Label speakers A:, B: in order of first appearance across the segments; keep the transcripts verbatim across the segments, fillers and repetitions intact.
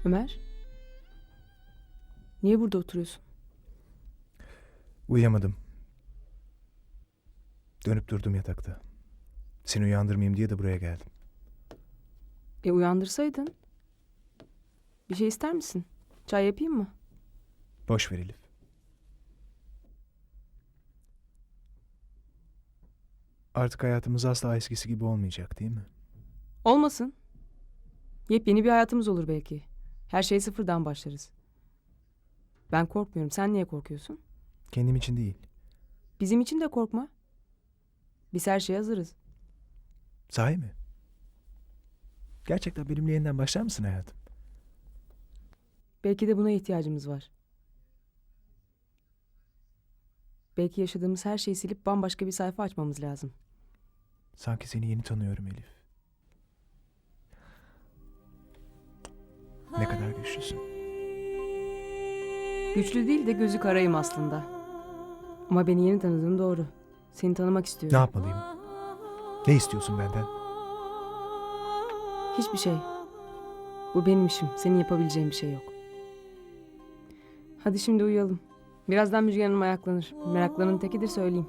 A: Ömer, niye burada oturuyorsun?
B: Uyuyamadım. Dönüp durdum yatakta. Seni uyandırmayayım diye de buraya geldim.
A: E uyandırsaydın. Bir şey ister misin? Çay yapayım mı?
B: Boş ver Elif. Artık hayatımız asla eskisi gibi olmayacak değil mi?
A: Olmasın. Yepyeni bir hayatımız olur belki. Her şeye sıfırdan başlarız. Ben korkmuyorum. Sen niye korkuyorsun?
B: Kendim için değil.
A: Bizim için de korkma. Biz her şeye hazırız.
B: Sahi mi? Gerçekten benimle yeniden başlar mısın hayatım?
A: Belki de buna ihtiyacımız var. Belki yaşadığımız her şeyi silip bambaşka bir sayfa açmamız lazım.
B: Sanki seni yeni tanıyorum Elif. Ne kadar güçlüsün.
A: Güçlü değil de gözü karayım aslında. Ama beni yeni tanıdığın doğru. Seni tanımak
B: Ne
A: istiyorum.
B: yapmalıyım? Ne istiyorsun benden?
A: Hiçbir şey. Bu benim işim. Senin yapabileceğin bir şey yok. Hadi şimdi uyuyalım. Birazdan Müjgan Hanım ayaklanır. Meraklarının tekidir söyleyeyim.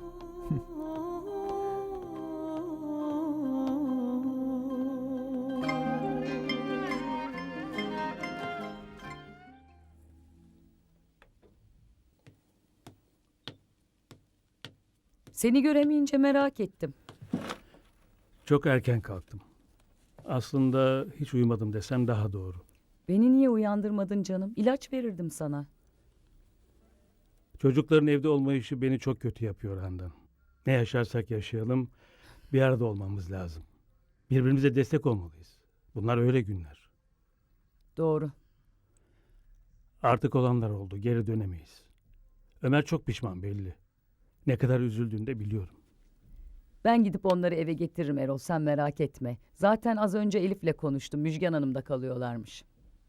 C: Seni göremeyince merak ettim.
D: Çok erken kalktım. Aslında hiç uyumadım desem daha doğru.
C: Beni niye uyandırmadın canım? İlaç verirdim sana.
D: Çocukların evde olmayışı beni çok kötü yapıyor Handan. Ne yaşarsak yaşayalım bir arada olmamız lazım. Birbirimize destek olmalıyız. Bunlar öyle günler.
C: Doğru.
D: Artık olanlar oldu, geri dönemeyiz. Ömer çok pişman belli. Ne kadar üzüldüğünü de biliyorum.
C: Ben gidip onları eve getiririm Erol, sen merak etme. Zaten az önce Elif'le konuştum. Müjgan Hanım'da kalıyorlarmış.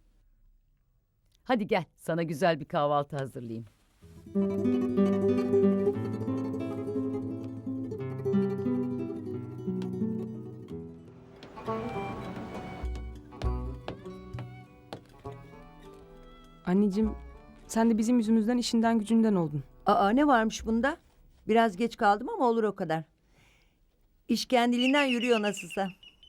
C: Hadi gel, sana güzel bir kahvaltı hazırlayayım.
A: Anneciğim, sen de bizim yüzümüzden işinden gücünden oldun.
E: Aa, ne varmış bunda? Biraz geç kaldım ama olur o kadar. İş kendiliğinden yürüyor nasılsa.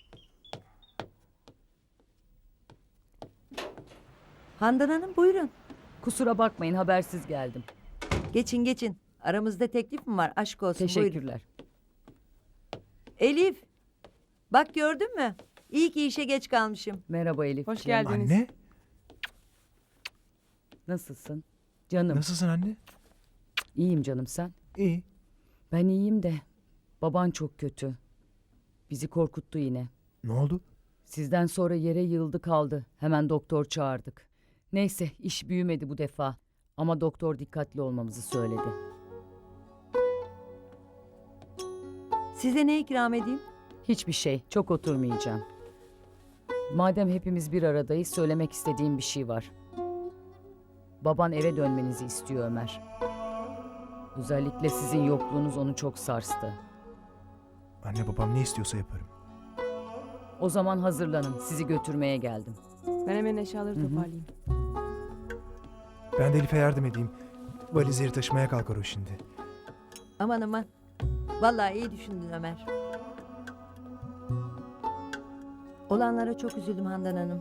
E: Handan Hanım buyurun.
C: Kusura bakmayın, habersiz geldim.
E: Geçin geçin. Aramızda teklif mi var? Aşk olsun. Buyurun.
C: Teşekkürler.
E: Elif. Bak gördün mü? İyi ki işe geç kalmışım.
C: Merhaba Elif.
A: Hoş geldiniz.
B: Anne?
C: Nasılsın? Canım.
B: Nasılsın anne?
C: İyiyim canım, sen?
B: İyi.
C: Ben iyiyim de baban çok kötü. Bizi korkuttu yine.
B: Ne oldu?
C: Sizden sonra yere yığıldı kaldı. Hemen doktor çağırdık. Neyse iş büyümedi bu defa. Ama doktor dikkatli olmamızı söyledi.
E: Size ne ikram edeyim?
C: Hiçbir şey, çok oturmayacağım. Madem hepimiz bir aradayız, söylemek istediğim bir şey var. Baban eve dönmenizi istiyor Ömer. Özellikle sizin yokluğunuz onu çok sarstı.
B: Anne babam ne istiyorsa yaparım.
C: O zaman hazırlanın, sizi götürmeye geldim.
A: Ben hemen eşyaları
C: Hı hı.
A: toparlayayım.
B: Ben de Elif'e yardım edeyim. Valizleri taşımaya kalkar o şimdi.
E: Aman aman. Vallahi iyi düşündün Ömer. Olanlara çok üzüldüm Handan Hanım.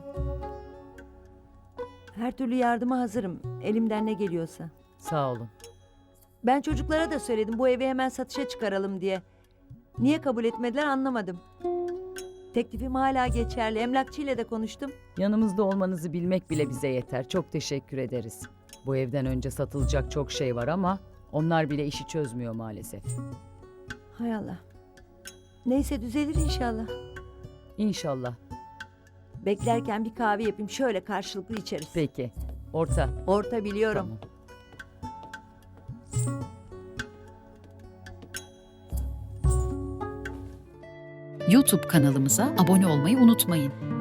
E: Her türlü yardıma hazırım. Elimden ne geliyorsa.
C: Sağ olun.
E: Ben çocuklara da söyledim bu evi hemen satışa çıkaralım diye. Niye kabul etmediler anlamadım. Teklifim hala geçerli. Emlakçıyla da konuştum.
C: Yanımızda olmanızı bilmek bile bize yeter. Çok teşekkür ederiz. Bu evden önce satılacak çok şey var ama onlar bile işi çözmüyor maalesef.
E: Hay Allah. Neyse düzelir inşallah.
C: İnşallah.
E: Beklerken bir kahve yapayım. Şöyle karşılıklı içeriz.
C: Peki. Orta.
E: Orta biliyorum.
C: Tamam.
F: YouTube kanalımıza abone olmayı unutmayın.